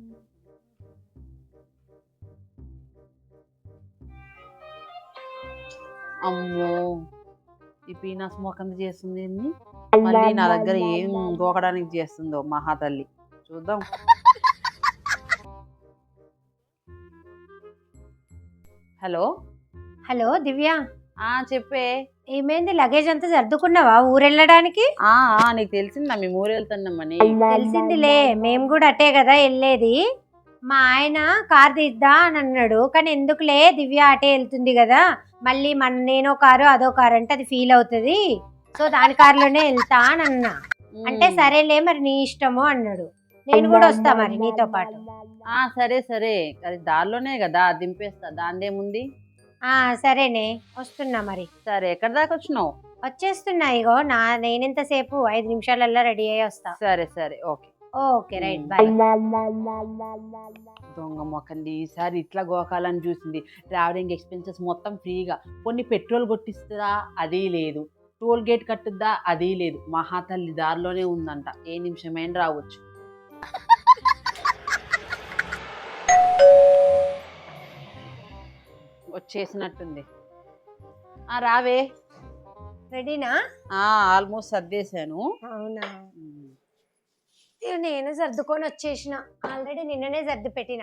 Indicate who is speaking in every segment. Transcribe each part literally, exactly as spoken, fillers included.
Speaker 1: అమ్మో! ఈ పీనాస్ మొకంది చేస్తుంది ఏంది? మళ్ళీ నా దగ్గర ఏం గోకడానికి చేస్తుందో మహాతల్లి. చూద్దాం. హలో
Speaker 2: హలో దివ్య,
Speaker 1: ఆ చెప్పే.
Speaker 2: ఏమైంది? లగేజ్ అంతా సర్దుకున్నావా ఊరెళ్ళడానికి?
Speaker 1: ఆ ఆ నీకు తెలిసిందా మేము ఊరు వెళ్తున్నామని?
Speaker 2: తెలిసిందిలే, మేము కూడా అటే కదా వెళ్ళేది. మా ఆయన కార్ తీద్దా అని అన్నాడు, కానీ ఎందుకులే దివ్య అటే వెళ్తుంది కదా, మళ్ళీ మన నేనో కారు అదో కారు అంటే అది ఫీల్ అవుతుంది, సో దాని కారులోనే వెళ్తా అని అన్నా. అంటే సరేలే మరి నీ ఇష్టము అన్నాడు. నేను కూడా వస్తా మరి నీతో పాటు.
Speaker 1: ఆ సరే సరే, అది దారిలోనే కదా దింపేస్తా, దాందేముంది.
Speaker 2: ఆ సరేనే, వస్తున్నా మరి.
Speaker 1: సరే, ఎక్కడి దాకా వచ్చినావు?
Speaker 2: వచ్చేస్తున్నా, ఇగో నా నేనెంతసేపు ఐదు నిమిషాలల్లా రెడీ అయ్యి వస్తా.
Speaker 1: సరే సరే, ఓకే
Speaker 2: ఓకే రైట్, బాయ్.
Speaker 1: దొంగ మొక్కండి, ఈసారి ఇట్లా గోకాలని చూసింది. ట్రావెలింగ్ ఎక్స్పెన్సెస్ మొత్తం ఫ్రీగా, కొన్ని పెట్రోల్ కొట్టిస్తుందా అది లేదు, టోల్ గేట్ కట్టుద్దా అది లేదు. మహాతల్లి దారిలోనే ఉందంట, ఏ నిమిషమైనా రావచ్చు. వచ్చేసినట్టుంది. ఆ రావే.
Speaker 2: రెడీనా?
Speaker 1: ఆల్మోస్ట్ సర్దేశాను.
Speaker 2: అవునా, నేను సర్దుకొని వచ్చేసిన, ఆల్రెడీ నిన్ననే సర్ది పెట్టిన.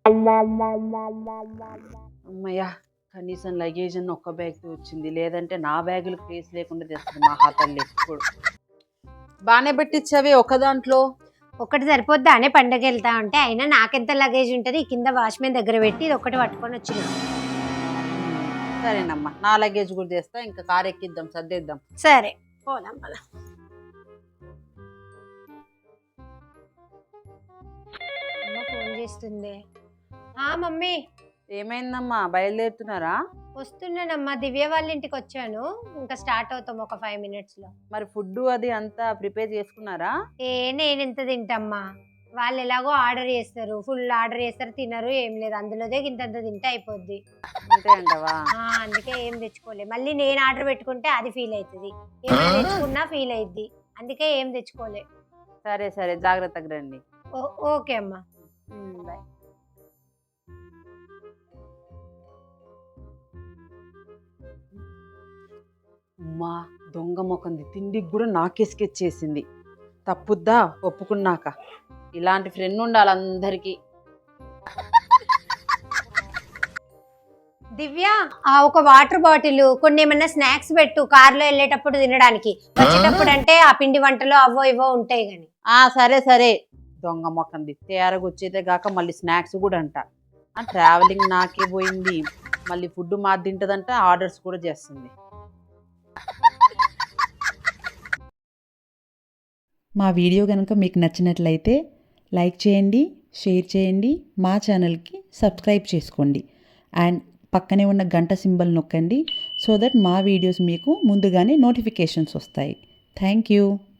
Speaker 1: అమ్మయ్యా, కనీసం లగేజ్ అన్న ఒక్క బ్యాగ్ వచ్చింది, లేదంటే నా బ్యాగులు ప్లేస్ లేకుండా తెస్తుంది మహాతల్లి. ఎప్పుడు బాగానే పెట్టించావే ఒక దాంట్లో.
Speaker 2: ఒకటి సరిపోద్దా అనే పండగ వెళ్తా ఉంటే, అయినా నాకెంత లగేజ్ ఉంటుంది, కింద వాచ్మెన్ దగ్గర పెట్టి ఇది ఒకటి పట్టుకొని వచ్చిన.
Speaker 1: సరేనమ్మా, నా లగేజ్ కూడా చేస్తా, ఇంకా కార్ ఎక్కిద్దాం, సర్దేద్దాం.
Speaker 2: సరే పోదాం పద. ఫోన్ చేస్తుంది. ఆ మమ్మీ.
Speaker 1: ఏమైందమ్మా, బయలుదేరుతున్నారా?
Speaker 2: వస్తున్నానమ్మా, దివ్య వాళ్ళ ఇంటికి వచ్చాను, ఇంకా స్టార్ట్ అవుతాం ఒక ఫైవ్ మినిట్స్ లో.
Speaker 1: మరి ఫుడ్ అది అంతా ప్రిపేర్ చేసుకున్నారా?
Speaker 2: ఏ నేను ఎంత తింటమ్మా, వాళ్ళు ఎలాగో ఆర్డర్ చేస్తారు, ఫుల్ ఆర్డర్ చేస్తారు, తినరు, ఏం లేదు, అందులోదే ఇంతంత తింటే అయిపోద్ది.
Speaker 1: అంతే అంటవా?
Speaker 2: అందుకే ఏం తెచ్చుకోలే, మళ్ళీ నేను ఆర్డర్ పెట్టుకుంటే అది ఫీల్ అవుతుంది, ఏమైనా తెచ్చుకున్నా ఫీల్ అయిద్ది, అందుకే ఏం తెచ్చుకోలే.
Speaker 1: సరే సరే, జాగ్రత్తగా రండి.
Speaker 2: ఓకే అమ్మా, బాయ్.
Speaker 1: అమ్మా, దొంగ మొకంది తిండికి కూడా నాకేసుకెచ్చేసింది. తప్పుద్దా ఒప్పుకున్నాక. ఇలాంటి ఫ్రెండ్ ఉండాలి అందరికి.
Speaker 2: దివ్య, ఆ ఒక వాటర్ బాటిల్, కొన్ని ఏమన్నా స్నాక్స్ పెట్టు, కార్లో వెళ్ళేటప్పుడు తినడానికి, వచ్చేటప్పుడు అంటే ఆ పిండి వంటలు అవో ఇవో ఉంటాయి గాని.
Speaker 1: ఆ సరే సరే, దొంగ మొకంది తేరగా వచ్చేదే కాక మళ్ళీ స్నాక్స్ కూడా అంట. ఆ ట్రావెలింగ్ నాకే పోయింది, మళ్ళీ ఫుడ్ మాది తింటదంట, ఆర్డర్స్ కూడా చేస్తుంది.
Speaker 3: మా వీడియో కనుక మీకు నచ్చినట్లయితే లైక్ చేయండి, షేర్ చేయండి, మా ఛానల్కి సబ్స్క్రైబ్ చేసుకోండి, అండ్ పక్కనే ఉన్న గంట సింబల్ నొక్కండి, సో దట్ మా వీడియోస్ మీకు ముందుగానే నోటిఫికేషన్స్ వస్తాయి. Thank you.